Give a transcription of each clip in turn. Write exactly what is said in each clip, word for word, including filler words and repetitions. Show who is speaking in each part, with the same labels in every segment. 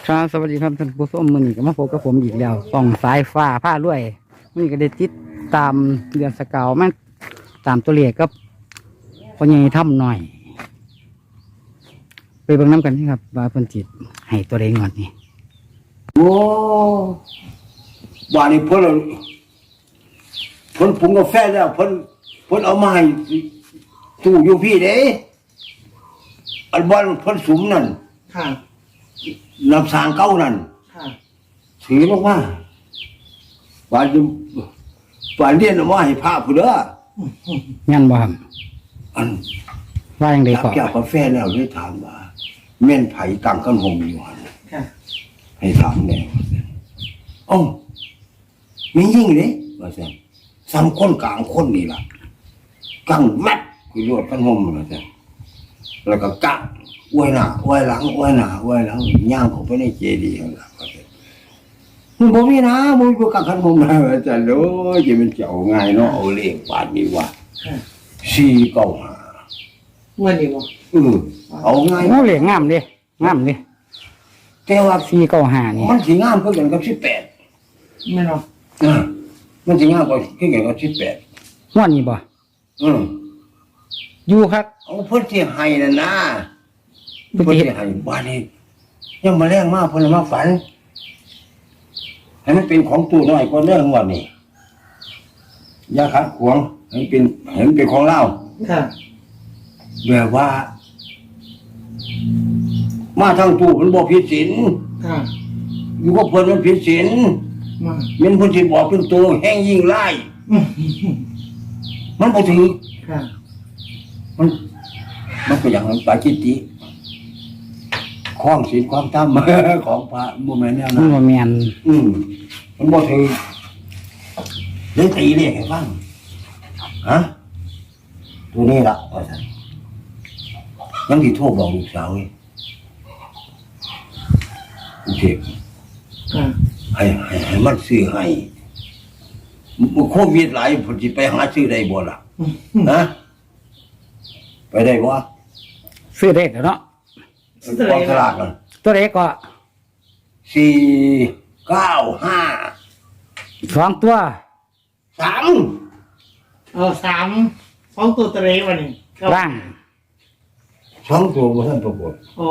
Speaker 1: ครับสวัสดีครับท่านผู้ชมมื้อนี้ก็มาพบกับผมอีกแล้วส่องสายฟ้าผ้ารวยมื้อนี้ก็ได้ติดตามเดือนสกาวมาตามตัวเลขกับพ่อใหญ่ถ้ำหน่อย ไปเบิ่งน้ำกันนี่ครับว่าเพิ่นจิตให้ตัวเลขงอนนี่
Speaker 2: โอ้ว่านี่เพิ่นเพิ่นปรุงกาแฟแล้วเพิ่นเพิ่นเอามาให้ตู้อยู่พี่เด้อันบ่อนเพิ่นสุมนั่น
Speaker 3: ค่ะ
Speaker 2: น้ำสางเก่านั่น
Speaker 3: ค่ะ
Speaker 2: ถือลงมาว่าจะว่าเรียนเอามาให้พระผู้เด้อ
Speaker 1: งั้นบ่ครับ
Speaker 2: อัน
Speaker 1: ว่าจังได๋
Speaker 2: รับ
Speaker 1: ก็
Speaker 2: จากกาแฟแล้วเลยถามว่าแม่นไผตั้งกันห่มอยู่หั่น
Speaker 3: ค่ะ
Speaker 2: ให้ถามแน่ว่าซั่นเอ้ามียิ่งเด้ว่าซั่นซ้ำคนกลางคนนี่ล่ะกังแมัดคือรวดกันห่มว่าซั่นแล้วก็กะอวยหน้าอวยหลังอวยหน้าอวยหลังย่างเข้าไปในเจดีย์นั่นล่ะว่าซั่นมึงบ่มีนะมึงบ่กังคันห่มนะว่าซั่นโอ้ยจะเป็นเจ้าง่ายเนาะเอาเลขบาดนี้ว่า
Speaker 3: ค่ะ
Speaker 2: สี่เก้าห้า
Speaker 3: เมื่อนี้บ่
Speaker 2: เออเอาง่าย
Speaker 1: โอ้เลขงามเด้งามเด้
Speaker 2: แต่ว่า
Speaker 1: สี่เก้าห้านี่
Speaker 2: มันสิงามคือกันกับสิบแปด
Speaker 3: ไม่หรอก
Speaker 2: อ่ามันสิงามกว่าคือกันกับสิบแปด
Speaker 1: งวดนี้บ่
Speaker 2: อืม
Speaker 1: อยู่ครับ
Speaker 2: เอาเพิ่นสิให้นั่นนะ
Speaker 1: เพิ่น
Speaker 2: เพิ่น
Speaker 1: สิ
Speaker 2: สิ
Speaker 1: เฮ็ด
Speaker 2: ให้บ้านนี้ยังมาแรงมากเพิ่นมาฝันให้มันเป็นของตู้น้อยกว่าเรื่องว่านี่อย่าขัดขวางให้เป็นให้มันเป็นของเรา
Speaker 3: ค่ะ
Speaker 2: แบบว่า มาทางตู้มันบ่ผิดศีล
Speaker 3: ค่ะ
Speaker 2: อยู่กับเพิ่นมันผิดศีล
Speaker 3: มา
Speaker 2: แม่นเพิ่นสิบอกเป็นตัวแห้งยิ่งร้าย
Speaker 3: อืม
Speaker 2: มันบ่ถือ
Speaker 3: ค่ะ
Speaker 2: มันมันก็อย่างนั้นปาจิตติคล้องศีลความธรรม ของพระบ่แม่นแนว
Speaker 1: มั
Speaker 2: นั้น น
Speaker 1: บ่แม่น
Speaker 2: อืมมันบ่ถือเลยตีเลขให้ฟังฮะตัวนี้ล่ะว่าซั่นยังสิโทรบอกลูกสาวอีกกรุงเทพ
Speaker 3: ค่ะ
Speaker 2: ให้ให้ให้มันซื้อให้มันโควิดหลายเพิ่นสิไปหาซื้อได้บ่ล่ะ
Speaker 3: อืม
Speaker 2: นะไปได้บ่
Speaker 1: ซื้อได้แล้วเนาะ
Speaker 2: กองสลากน่ะ
Speaker 1: ตัวเลขก็
Speaker 2: สี่เก้าห้า
Speaker 1: สองตัว
Speaker 2: สาม
Speaker 3: เอาสามสองตัวตะเรวันนี้ครับ
Speaker 1: ล่าง
Speaker 2: สองตัวบ่ทันปรากฏ
Speaker 3: อ๋อ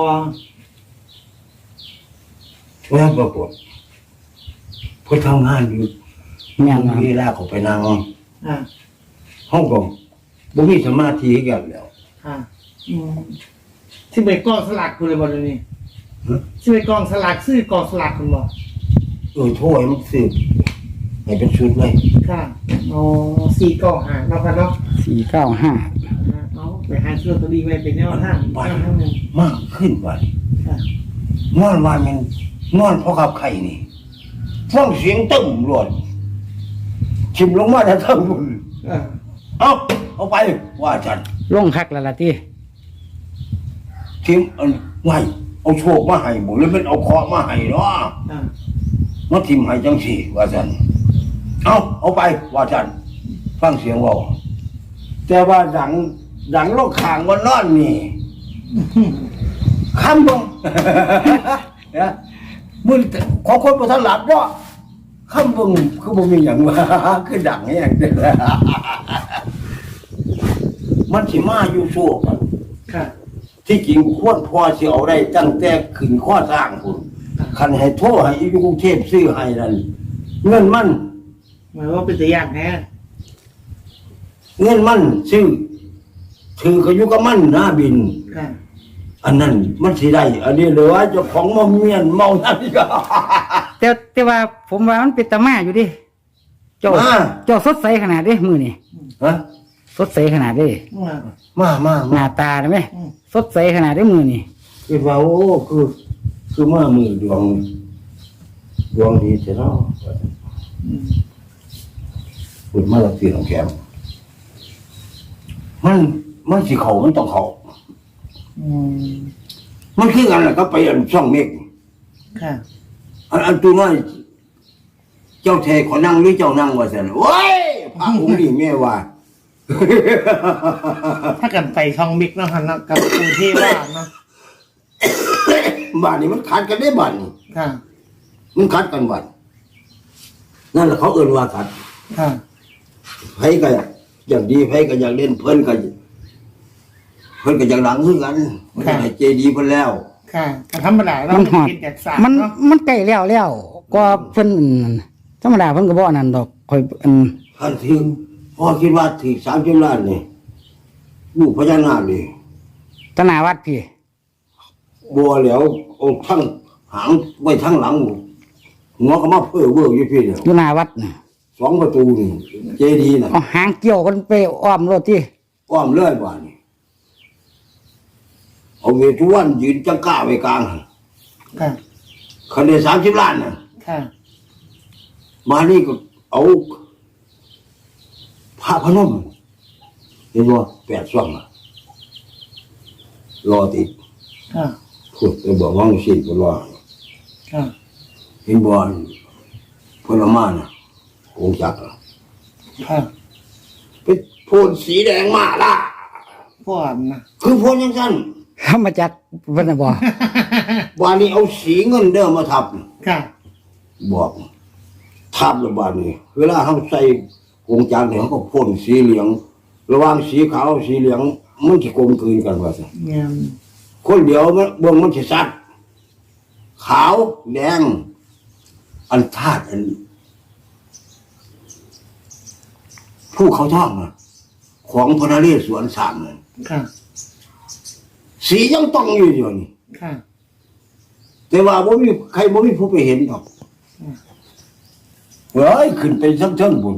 Speaker 2: บ่ทันปรากฏเพิ่นทำงานอยู่
Speaker 1: แม่นครับ
Speaker 2: เวลาเขาไปนั่ง
Speaker 3: อ่า
Speaker 2: ห้องก็บ่มีสมาธิให้กันแล้ว
Speaker 3: ค่ะอืมที่ไปกองสลากคุณเลยบ่เดี๋ยวนี้
Speaker 2: ฮะ
Speaker 3: ที่ไปกองสลากซื้อกองสลากคุณบ่
Speaker 2: เออโทษให้มันสืบให้เป็นชุดเลย
Speaker 3: ค่ะอ๋อสี่กองหาเรากันเนาะ
Speaker 1: สี่เก้าห้า
Speaker 3: อ่าเอาไปหาซื้อตัวดีไว้เป็นแนวทาง
Speaker 2: บ้าน
Speaker 3: แนวทางหนึ่ง
Speaker 2: มากขึ้นว่า
Speaker 3: ค่ะ
Speaker 2: นอนว่ามันนอนเพราะกับไข่นี่ฟังเสียงตึ้มรวดชิมลงมาแต่ทั้งบุญ
Speaker 3: อ่า
Speaker 2: เอาเอาไปว่าจัน
Speaker 1: ลงคักแล้วล่ะติ
Speaker 2: ทิมอันไงเอาโชคมาให้บ่หรือมันเอาเคราะห์มาให้เนาะ
Speaker 3: อ่า
Speaker 2: มาทิมให้จังสี่ว่าจันเอาเอาไปว่าจันฟังเสียงเว่าแต่ว่าดังดังโลกขางวันนอนนี่คำบ่ นะมึงของคนบ่ทันหลับเนาะคำบ่คือบ่มีหยังว่า คือดังแฮงเด้อ มันสิมาอยู่โชคอะ
Speaker 3: ค่ะ
Speaker 2: ที่จริงควรพอสิเอาได้ตั้งแต่ขึ้นข้อสร้างพุ่นคันให้โทรให้อยู่กรุงเทพซื้อให้นั่นเงินมัน
Speaker 3: หมายว่าเป็นตัวอย่างแท้
Speaker 2: เงินมันซื้อถือก็อยู่กับมันนะบิน
Speaker 3: ค่ะ
Speaker 2: อันนั้นมันสิได้อันนี้เหลือเจ้าของมาเมียนเมานั่นอีก
Speaker 1: แต่แต่ว่าผมว่ามันเป็นตามาอยู่ดิเจ้า
Speaker 2: มา
Speaker 1: เจ้าสดใสขนาดเด้มือนี่
Speaker 2: ฮะ
Speaker 1: สดใสขนาดเด้
Speaker 3: มา
Speaker 2: มามา
Speaker 1: ห
Speaker 2: มา
Speaker 1: น้าตาได้ไหม
Speaker 3: อืม
Speaker 1: สดใสขนาดได้มือนี่
Speaker 2: คือว่าโอ้คือคือมามือดวงดวงดีเสียเนาะ
Speaker 3: อืม
Speaker 2: พูดมาแล้วสิของแกมมันมันสิเขามันต้องเขา
Speaker 3: อืม
Speaker 2: มันคือกันแหละก็ไปอันช่องเมฆ
Speaker 3: ค่ะ
Speaker 2: อันอันตัวน้อยเจ้าเทขอนั่งหรือเจ้านั่งว่าสันโอ้ยพระองค์นี่แม่ว่า
Speaker 3: ถ้ากันไปช่องมิกเนาะฮะเนาะกับกรุงเทพว่าเนาะ
Speaker 2: บ้านนี้มันขัดกันได้บ้านนี้
Speaker 3: ค่ะ
Speaker 2: มันขัดกันบ้านนั่นแหละเขาเอิ้นว่าขัด
Speaker 3: ค่ะ
Speaker 2: ไผก็อย่างดีไผก็อยากเล่นเพิ่นก็เพิ่นก็อยากหลังคือกันมันก็ได้เจดีย์เพิ่นแล้ว
Speaker 3: ค่ะแต่ธรรมดาเรา
Speaker 1: มันหอด
Speaker 3: กินจากสาร
Speaker 1: มัน
Speaker 3: เนาะ
Speaker 1: มันใกล้แล้วแล้วก็เพิ่นธรรมดาเพิ่นก็บ่อันนั้นดอกข่อยอัน
Speaker 2: ท่านถึงพ่อคิดว่าถึงสามสิบล้านนี่ลูกพญานาคนี่
Speaker 1: ตนาวัดพี่
Speaker 2: บัวแล้วเอาทั้งหางไว้ทั้งหลังหัวก็มาเพ้อเวอร์อยู่พี่เนี่ย
Speaker 1: อยู่หน้าวัดน่ะ
Speaker 2: สองประตูนี่เจดีย์น่ะ
Speaker 1: เอาหางเกี่ยวกันไปอ้อมรถที่
Speaker 2: อ้อมเลื่อยบ้านนี่เอาเวทุวันยืนจังก้าไว้กลาง
Speaker 3: ค่ะ
Speaker 2: คันได้สามสิบล้านน่ะ
Speaker 3: ค่ะ
Speaker 2: มานี่ก็เอาพระพนมเห็นบ่แปดช่วงอ่ะรอติด
Speaker 3: ค่ะ
Speaker 2: พูดไปบอกว่างสิก็รอ
Speaker 3: ค่ะ
Speaker 2: เห็นบ่ผลไม้น่ะองค์จักรอะ
Speaker 3: ค่ะ
Speaker 2: เป็นโพนสีแดงมาล่ะ
Speaker 3: พวกนะ
Speaker 2: คือโพนยังสั้น
Speaker 1: ธรรมจักรเพิ่นน่ะบ่
Speaker 2: วานนี้เอาสีเงินเดิมมาทับ
Speaker 3: ค่ะ
Speaker 2: บอกทับแล้วบานนี้เวลาเขาใส่องค์จักรเนี่ยเขาก็พ่นสีเหลือง ระหว่างสีขาวสีเหลืองมันจะกลมกลืนกันว่าสิ
Speaker 3: เนี่ย
Speaker 2: คนเดียวมันเบื้องมันจะสัดขาวแดง อันธาตุอันผู้เขาท่องนะของพระนเรศวรสามนั่น
Speaker 3: ค่ะ
Speaker 2: สียังต้องอยู่อยู่นี่
Speaker 3: ค่ะ
Speaker 2: แต่ว่าบ่มีใครบ่มีผู้ไปเห็นหรอกเฮ้ยขึ้นไปทั้งเทิงบุญ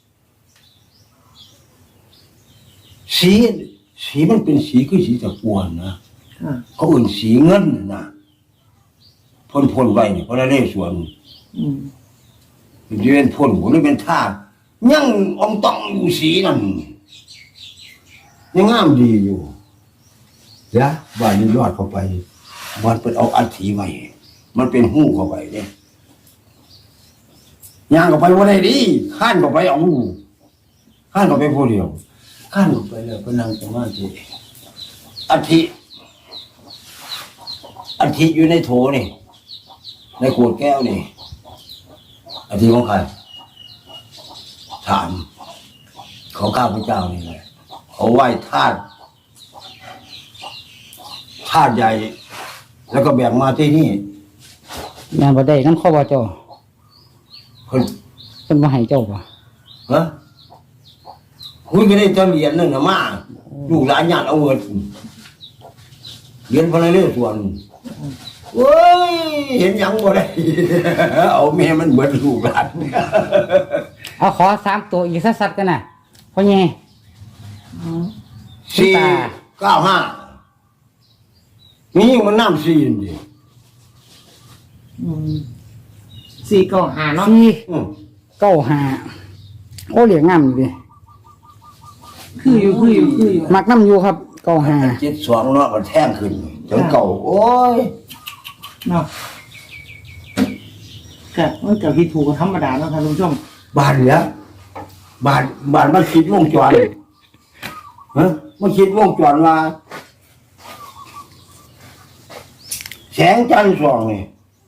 Speaker 2: สีสีมันเป็นสีคือสีตะกวนนะ
Speaker 3: ค่ะ
Speaker 2: เขาเอื่นสีเงินน่ะนะพ่นพ่นไว้เนี่ยพระนเรศวร
Speaker 3: อืม
Speaker 2: เรียนพ่นบ่หรือเป็นท่าสยังอองต้องอยู่สีนั่นยังงามดีอยู่เดี๋ยวบ้านนี้ยอดเข้าไปมันเป็นเอาอัฐิไว้ มันเป็นหู้เข้าไปเนี่ยย่างเข้าไปว่าได้ดีข้านเข้าไปเอาข้านเข้าไปผู้เดียวข้านเข้าไปแล้วก็นั่งสมาธิอัฐิอัฐิอยู่ในโถนี่ในขวดแก้วนี่อัฐิของใครถามเขาข้าพเจ้านี่แหละเขาไหว้ธาตุธาตุใหญ่ แล้วก็แบ่งมาที่นี่
Speaker 1: งานบ่ได้นำข้อบ่เจ้า
Speaker 2: เพิ่น
Speaker 1: เพิ่นบ่ให้เจ้าบ่
Speaker 2: ฮะคุยกันได้จะเหรียญนั่นนะมาลูกหลานญาติเอาเงินเหรียญพระนเรศวรเว้ยเห็นหยังบ่ได้ เอาแม่มันเบิดลูกหลาน
Speaker 1: เอาขอสามตัวอีกสัดๆกันน่ะพ่อใหญ่
Speaker 2: สี่เก้าห้านี่มันน้ำสี่นี่ดิ
Speaker 3: อืมสี่เก้าหาเนาะ
Speaker 1: สี่
Speaker 2: อืม
Speaker 1: เก้าห้าโอ้เหลียงงามอยู่ดิ
Speaker 3: คืออยู่คืออยู่คืออยู่
Speaker 1: มักน้ำอยู่ครับเก้าห้า
Speaker 2: เจ็ดสองเนาะมันแท่งขึ้นจนเก่าโอ้ย
Speaker 3: เนาะก็มันกับที่ถูกกับธรรมดาเนาะครับคุณผู้ชม
Speaker 2: บานเนี้ยบานบานมันคิดวงจรฮะมันคิดวงจรว่าแสงจันทร์ส่องนี่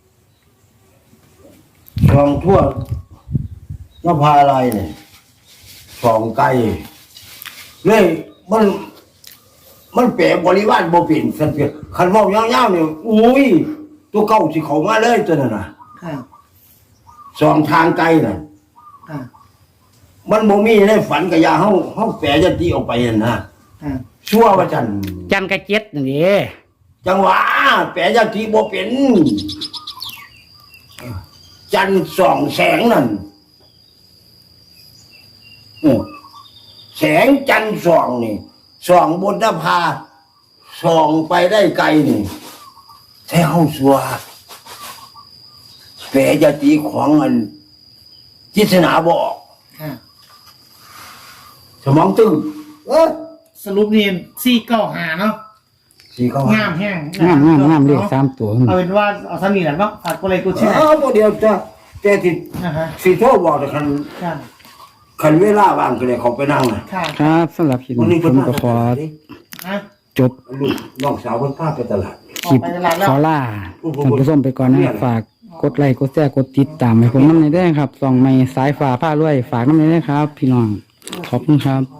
Speaker 2: ส่องทั่วนภาลัยเนี่ยส่องไกลเลยมัน มันแปลบริวารบ่เป็นสันเพียคันเว้ายาวๆเนี่ยอุ้ยตัวเก่าสิเข้ามาเลยตัวนั้นน่ะ
Speaker 3: ค่ะ
Speaker 2: ส่องทางไกลน่ะ
Speaker 3: ค่ะ
Speaker 2: มันบ่มีในฝันกับยาเฮาเฮาแปลยันตีออกไปนั่นนะ
Speaker 3: ค่ะ
Speaker 2: ชั่วว่าจัน
Speaker 1: จันกระเจ็ดนี่เด้
Speaker 2: จังหวะแปลยันตีบ่เป็น จันทร์ส่องแสงนั่นเออแสงจันทร์ส่องนี่ส่องบนนภาส่องไปได้ไกลนี่แท้เฮาสัวแปลยันตีของอันจิตนาบ่ออก
Speaker 3: ค่ะ
Speaker 2: สมองตึงเออ
Speaker 3: สรุปนี่สี่เก้าหาเนาะ
Speaker 2: สีเขา
Speaker 3: งามแห้ง
Speaker 1: งามงามงามเลขสามตัว
Speaker 3: เอาเป็นว่าเอาท่านี้แหละเนาะฝากกดไลค์กดแชร์
Speaker 2: เออบ่เดียวจะแต่ที่
Speaker 3: นะฮะ
Speaker 2: สิโทรบอกแต่คัน
Speaker 3: ค่ะ
Speaker 2: คันเวลาว่างก็เลยเขาไปนั่งน่ะ
Speaker 3: ค่ะ
Speaker 1: ครับสำหรับคลิป
Speaker 2: วัน
Speaker 1: นี้
Speaker 2: นี้
Speaker 1: ผ
Speaker 2: เพิ่น
Speaker 1: ม
Speaker 2: มา
Speaker 1: ก็ขอ
Speaker 2: ดิ
Speaker 3: ฮะ
Speaker 1: จบ
Speaker 2: ลูกน้องสาวเพิ่นพาไปตลาด
Speaker 1: คลิปขอล่าท่านผู้ชมไปก่อนนะครับฝากกดไลค์กดแชร์กดติดตามให้ผมน้ำในอยเด้อครับส่องไม่สายฟ้าผ้ารวยฝากน้ำในอยเด้อครับ พี่น้องขอบคุณครับ